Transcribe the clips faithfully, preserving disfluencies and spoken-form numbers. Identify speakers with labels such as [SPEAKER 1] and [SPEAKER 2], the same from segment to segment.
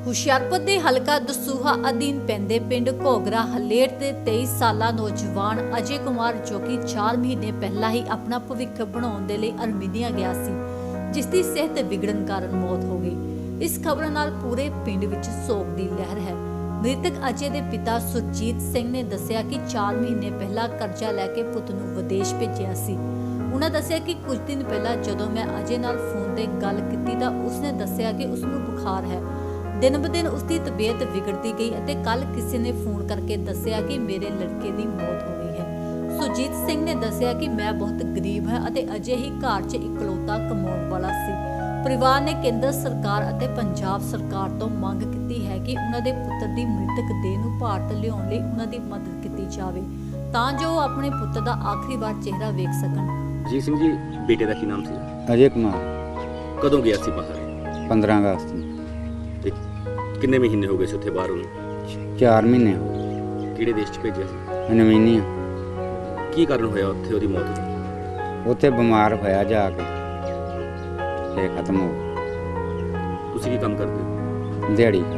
[SPEAKER 1] ਹੁਸ਼ਿਆਰਪੁਰ ਦੇ ਹਲਕਾ ਦਸੂਹਾ ਅਧੀਨ ਪੈਂਦੇ ਪਿੰਡ ਘੋਗਰਾ ਹਲੇਟ ਦੇ ਤੇਈ ਸਾਲਾ ਨੌਜਵਾਨ ਅਜੇ ਕੁਮਾਰ ਜੋ ਕਿ ਚਾਰ ਮਹੀਨੇ ਪਹਿਲਾਂ ਹੀ ਆਪਣਾ ਭਵਿੱਖ ਬਣਾਉਣ ਦੇ ਲਈ ਅਰਮੀਨੀਆ ਗਿਆ ਸੀ, ਜਿਸ ਦੀ ਸਿਹਤ ਵਿਗੜਨ ਕਾਰਨ ਮੌਤ ਹੋ ਗਈ। ਇਸ ਖਬਰ ਨਾਲ ਪੂਰੇ ਪਿੰਡ ਵਿੱਚ ਸੋਗ ਦੀ ਲਹਿਰ ਹੈ। ਮ੍ਰਿਤਕ ਅਜੇ ਦੇ ਪਿਤਾ ਸੁਰਜੀਤ ਸਿੰਘ ਨੇ ਦੱਸਿਆ ਕਿ ਚਾਰ ਮਹੀਨੇ ਪਹਿਲਾਂ ਕਰਜ਼ਾ ਲੈ ਕੇ ਪੁੱਤ ਨੂੰ ਵਿਦੇਸ਼ ਭੇਜਿਆ ਸੀ। ਉਹਨਾਂ ਦੱਸਿਆ ਕਿ ਕੁਝ ਦਿਨ ਪਹਿਲਾਂ ਜਦੋਂ ਮੈਂ ਅਜੇ ਨਾਲ ਫੋਨ ਤੇ ਗੱਲ ਕੀਤੀ ਤਾਂ ਉਸਨੇ ਦੱਸਿਆ ਕਿ ਉਸ ਨੂੰ ਬੁਖਾਰ ਹੈ। दिन ब दिन उसकी तबीयत बिगड़ती गई ਅਤੇ ਕੱਲ ਕਿਸੇ ਨੇ ਫੋਨ ਕਰਕੇ ਦੱਸਿਆ ਕਿ ਮੇਰੇ ਲੜਕੇ ਦੀ ਮੌਤ ਹੋ ਗਈ ਹੈ। ਸੁਰਜੀਤ ਸਿੰਘ ਨੇ ਦੱਸਿਆ ਕਿ ਮੈਂ ਬਹੁਤ ਗਰੀਬ ਹਾਂ ਅਤੇ ਅਜੇ ਹੀ ਘਰ 'ਚ ਇਕਲੌਤਾ ਕਮਾਉਣ ਵਾਲਾ ਸੀ। ਪਰਿਵਾਰ ਨੇ ਕੇਂਦਰ ਸਰਕਾਰ ਅਤੇ ਪੰਜਾਬ ਸਰਕਾਰ ਤੋਂ ਮੰਗ ਕੀਤੀ ਹੈ ਕਿ ਉਹਨਾਂ ਦੇ ਪੁੱਤਰ ਦੀ ਮ੍ਰਿਤਕ ਦੇਹ ਨੂੰ ਭਾਰਤ ਲਿਆਉਣ ਲਈ ਉਹਨਾਂ ਦੀ ਮਦਦ ਕੀਤੀ ਜਾਵੇ ਤਾਂ ਜੋ ਉਹ ਆਪਣੇ ਪੁੱਤ ਦਾ ਆਖਰੀ ਵਾਰ ਚਿਹਰਾ ਵੇਖ ਸਕਣ।
[SPEAKER 2] ਜੀ ਸਿੰਘ ਜੀ, ਬੇਟੇ ਦਾ ਕੀ ਨਾਮ ਸੀ?
[SPEAKER 3] ਅਜੇ ਕੁਮਾਰ।
[SPEAKER 2] ਕਦੋਂ ਗਿਆ ਸੀ ਬਾਹਰ?
[SPEAKER 3] ਪੰਦਰਾਂ ਅਗਸਤ ਨੂੰ।
[SPEAKER 2] ਤੇ ਕਿੰਨੇ ਮਹੀਨੇ ਹੋ ਗਏ ਸੀ ਉੱਥੇ ਬਾਹਰ ਉਹਨੂੰ?
[SPEAKER 3] ਚਾਰ ਮਹੀਨੇ ਹੋ ਗਏ।
[SPEAKER 2] ਕਿਹੜੇ ਦੇਸ਼ 'ਚ ਭੇਜਿਆ ਸੀ?
[SPEAKER 3] ਅਰਮੀਨੀਆ।
[SPEAKER 2] ਕੀ ਕਾਰਨ ਹੋਇਆ ਉੱਥੇ ਉਹਦੀ ਮੌਤ ਦਾ?
[SPEAKER 3] ਉੱਥੇ ਬਿਮਾਰ ਹੋਇਆ ਜਾ ਕੇ ਤੇ ਖਤਮ ਹੋ ਗਿਆ।
[SPEAKER 2] ਤੁਸੀਂ ਕੀ ਕੰਮ ਕਰਦੇ ਹੋ?
[SPEAKER 3] ਦਿਹਾੜੀ ਕਰ।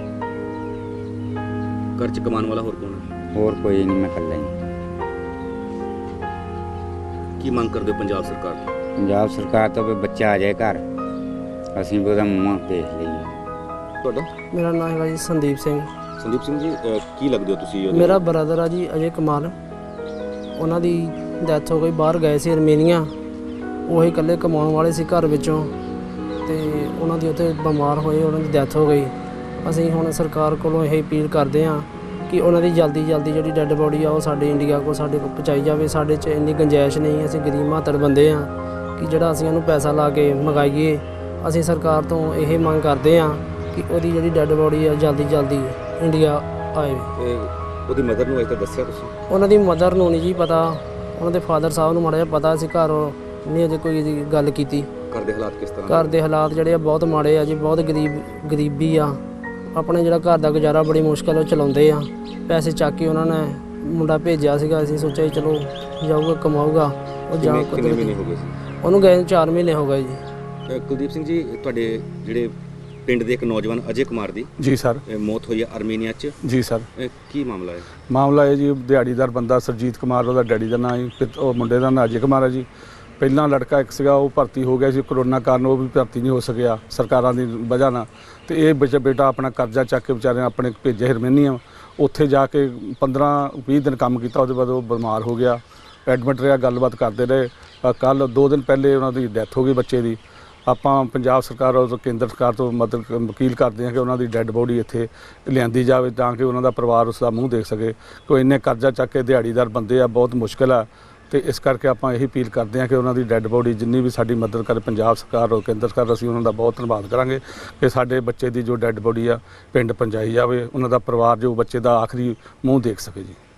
[SPEAKER 2] ਘਰ 'ਚ ਕਮਾਉਣ ਵਾਲਾ ਹੋਰ ਕੌਣ ਹੈ?
[SPEAKER 3] ਹੋਰ ਕੋਈ ਨਹੀਂ, ਮੈਂ ਇਕੱਲਾ ਹੀ।
[SPEAKER 2] ਕੀ ਮੰਗ ਕਰਦੇ ਹੋ ਪੰਜਾਬ ਸਰਕਾਰ ਤੋਂ?
[SPEAKER 3] ਪੰਜਾਬ ਸਰਕਾਰ ਤੋਂ ਵੀ ਬੱਚਾ ਆ ਜਾਏ ਘਰ, ਅਸੀਂ ਵੀ ਉਹਦਾ ਮੂੰਹ ਦੇਖ ਲਈਏ।
[SPEAKER 2] ਤੁਹਾਡਾ?
[SPEAKER 4] ਮੇਰਾ ਨਾਮ ਹੈਗਾ ਜੀ ਸੰਦੀਪ ਸਿੰਘ।
[SPEAKER 2] ਸੰਦੀਪ ਸਿੰਘ ਜੀ, ਅਹ ਕੀ ਲੱਗਦੇ ਹੋ ਤੁਸੀਂ ਉਹਦੇ?
[SPEAKER 4] ਮੇਰਾ ਬ੍ਰਦਰ ਆ ਜੀ ਅਜੇ ਕੁਮਾਰ। ਉਹਨਾਂ ਦੀ ਡੈਥ ਹੋ ਗਈ, ਬਾਹਰ ਗਏ ਸੀ ਅਰਮੀਨੀਆ। ਉਹੀ ਇਕੱਲੇ ਕਮਾਉਣ ਵਾਲੇ ਸੀ ਘਰ ਵਿੱਚੋਂ ਤੇ ਉਹਨਾਂ ਦੀ ਉੱਥੇ ਬਿਮਾਰ ਹੋਏ, ਉਹਨਾਂ ਦੀ ਡੈਥ ਹੋ ਗਈ। ਅਸੀਂ ਹੁਣ ਸਰਕਾਰ ਕੋਲੋਂ ਇਹ ਅਪੀਲ ਕਰਦੇ ਹਾਂ ਕਿ ਉਹਨਾਂ ਦੀ ਜਲਦੀ ਜਲਦੀ ਜਿਹੜੀ ਡੈੱਡ ਬੋਡੀ ਆ ਉਹ ਸਾਡੇ ਇੰਡੀਆ ਕੋਲ ਸਾਡੇ ਕੋਲ ਪਹੁੰਚਾਈ ਜਾਵੇ। ਸਾਡੇ 'ਚ ਇੰਨੀ ਗੁੰਜਾਇਸ਼ ਨਹੀਂ, ਅਸੀਂ ਗਰੀਬ ਮਾਤੜ ਬੰਦੇ ਹਾਂ ਕਿ ਜਿਹੜਾ ਅਸੀਂ ਉਹਨੂੰ ਪੈਸਾ ਲਾ ਕੇ ਮੰਗਾਈਏ। ਅਸੀਂ ਸਰਕਾਰ ਤੋਂ ਇਹ ਮੰਗ ਕਰਦੇ ਹਾਂ ਕਿ ਉਹਦੀ ਜਿਹੜੀ ਡੈੱਡ ਬੋਡੀ ਆ ਜਲਦੀ ਜਲਦੀ ਇੰਡੀਆ ਆਏ।
[SPEAKER 2] ਉਹਦੀ ਮਦਰ ਨੂੰ ਅਜੇ ਤੱਕ ਦੱਸਿਆ ਤੁਸੀਂ?
[SPEAKER 4] ਉਹਨਾਂ ਦੀ ਮਦਰ ਨੂੰ ਨਹੀਂ ਜੀ ਪਤਾ, ਉਹਨਾਂ ਦੇ ਫਾਦਰ ਸਾਹਿਬ ਨੂੰ ਮਾੜਾ ਜਿਹਾ ਪਤਾ ਸੀ। ਘਰ ਨਹੀਂ ਅਜੇ ਕੋਈ ਇਹਦੀ ਗੱਲ ਕੀਤੀ।
[SPEAKER 2] ਘਰ ਦੇ ਹਾਲਾਤ ਕਿਸ ਤਰ੍ਹਾਂ?
[SPEAKER 4] ਘਰ ਦੇ ਹਾਲਾਤ ਜਿਹੜੇ ਆ ਬਹੁਤ ਮਾੜੇ ਆ ਜੀ, ਬਹੁਤ ਗਰੀਬ ਗਰੀਬੀ ਆ। ਆਪਣੇ ਜਿਹੜਾ ਘਰ ਦਾ ਗੁਜ਼ਾਰਾ ਬੜੀ ਮੁਸ਼ਕਲ ਉਹ ਚਲਾਉਂਦੇ ਆ। ਪੈਸੇ ਚੱਕ ਕੇ ਉਹਨਾਂ ਨੇ ਮੁੰਡਾ ਭੇਜਿਆ ਸੀਗਾ, ਅਸੀਂ ਸੋਚਿਆ ਚਲੋ ਜਾਊਗਾ ਕਮਾਊਗਾ। ਉਹ ਜਾ
[SPEAKER 2] ਕਿੰਨੇ ਮਹੀਨੇ ਹੋ ਗਏ ਸੀ
[SPEAKER 4] ਉਹਨੂੰ ਗਏ? ਚਾਰ ਮਹੀਨੇ ਹੋ ਗਏ ਜੀ।
[SPEAKER 2] ਕੁਲਦੀਪ ਸਿੰਘ ਜੀ, ਤੁਹਾਡੇ ਜਿਹੜੇ ਪਿੰਡ ਦੇ ਇੱਕ ਨੌਜਵਾਨ ਅਜੇ ਕੁਮਾਰ ਦੀ
[SPEAKER 5] ਜੀ ਸਰ
[SPEAKER 2] ਮੌਤ ਹੋਈ ਹੈ ਅਰਮੀਨੀਆ 'ਚ।
[SPEAKER 5] ਜੀ ਸਰ।
[SPEAKER 2] ਕੀ ਮਾਮਲਾ ਹੈ?
[SPEAKER 5] ਮਾਮਲਾ ਇਹ ਜੀ, ਦਿਹਾੜੀਦਾਰ ਬੰਦਾ ਸਰਜੀਤ ਕੁਮਾਰ, ਉਹਦਾ ਡੈਡੀ ਦਾ ਨਾਂ ਜੀ, ਉਹ ਮੁੰਡੇ ਦਾ ਨਾਂ ਅਜੇ ਕੁਮਾਰ ਹੈ ਜੀ। ਪਹਿਲਾਂ ਲੜਕਾ ਇੱਕ ਸੀਗਾ, ਉਹ ਭਰਤੀ ਹੋ ਗਿਆ ਸੀ, ਕਰੋਨਾ ਕਾਰਨ ਉਹ ਵੀ ਭਰਤੀ ਨਹੀਂ ਹੋ ਸਕਿਆ ਸਰਕਾਰਾਂ ਦੀ ਵਜ੍ਹਾ ਨਾਲ। ਤੇ ਇਹ ਬੱਚਾ ਬੇਟਾ ਆਪਣਾ ਕਰਜ਼ਾ ਚੱਕ ਕੇ ਵਿਚਾਰੇ ਆਪਣੇ ਭੇਜਿਆ ਅਰਮੀਨੀਆ। ਉੱਥੇ ਜਾ ਕੇ ਪੰਦਰਾਂ ਵੀਹ ਦਿਨ ਕੰਮ ਕੀਤਾ, ਉਹਦੇ ਬਾਅਦ ਉਹ ਬਿਮਾਰ ਹੋ ਗਿਆ, ਐਡਮਿਟ ਰਿਹਾ। ਗੱਲਬਾਤ ਕਰਦੇ ਰਹੇ। ਕੱਲ੍ਹ ਦੋ ਦਿਨ ਪਹਿਲੇ ਉਹਨਾਂ ਦੀ ਡੈਥ ਹੋ ਗਈ ਬੱਚੇ ਦੀ। ਆਪਾਂ ਪੰਜਾਬ ਸਰਕਾਰ ਔਰ ਕੇਂਦਰ ਸਰਕਾਰ ਤੋਂ ਮਦਦ ਵਕੀਲ ਕਰਦੇ ਹਾਂ ਕਿ ਉਹਨਾਂ ਦੀ ਡੈੱਡ ਬੋਡੀ ਇੱਥੇ ਲਿਆਂਦੀ ਜਾਵੇ ਤਾਂ ਕਿ ਉਹਨਾਂ ਦਾ ਪਰਿਵਾਰ ਉਸ ਦਾ ਮੂੰਹ ਦੇਖ ਸਕੇ। ਕੋਈ ਇੰਨੇ ਕਰਜ਼ਾ ਚੱਕ ਕੇ ਦਿਹਾੜੀਦਾਰ ਬੰਦੇ ਆ, ਬਹੁਤ ਮੁਸ਼ਕਿਲ ਆ। ਤੇ ਇਸ ਕਰਕੇ ਆਪਾਂ ਇਹੀ ਅਪੀਲ ਕਰਦੇ ਹਾਂ ਕਿ ਉਹਨਾਂ ਦੀ ਡੈੱਡ ਬੋਡੀ ਜਿੰਨੀ ਵੀ ਸਾਡੀ ਮਦਦ ਕਰੇ ਪੰਜਾਬ ਸਰਕਾਰ ਔਰ ਕੇਂਦਰ ਸਰਕਾਰ, ਅਸੀਂ ਉਹਨਾਂ ਦਾ ਬਹੁਤ ਧੰਨਵਾਦ ਕਰਾਂਗੇ ਕਿ ਸਾਡੇ ਬੱਚੇ ਦੀ ਜੋ ਡੈੱਡ ਬੋਡੀ ਆ ਪਿੰਡ ਪਹੁੰਚਾਈ ਜਾਵੇ, ਉਹਨਾਂ ਦਾ ਪਰਿਵਾਰ ਜੋ ਬੱਚੇ ਦਾ ਆਖਰੀ ਮੂੰਹ ਦੇਖ ਸਕੇ ਜੀ।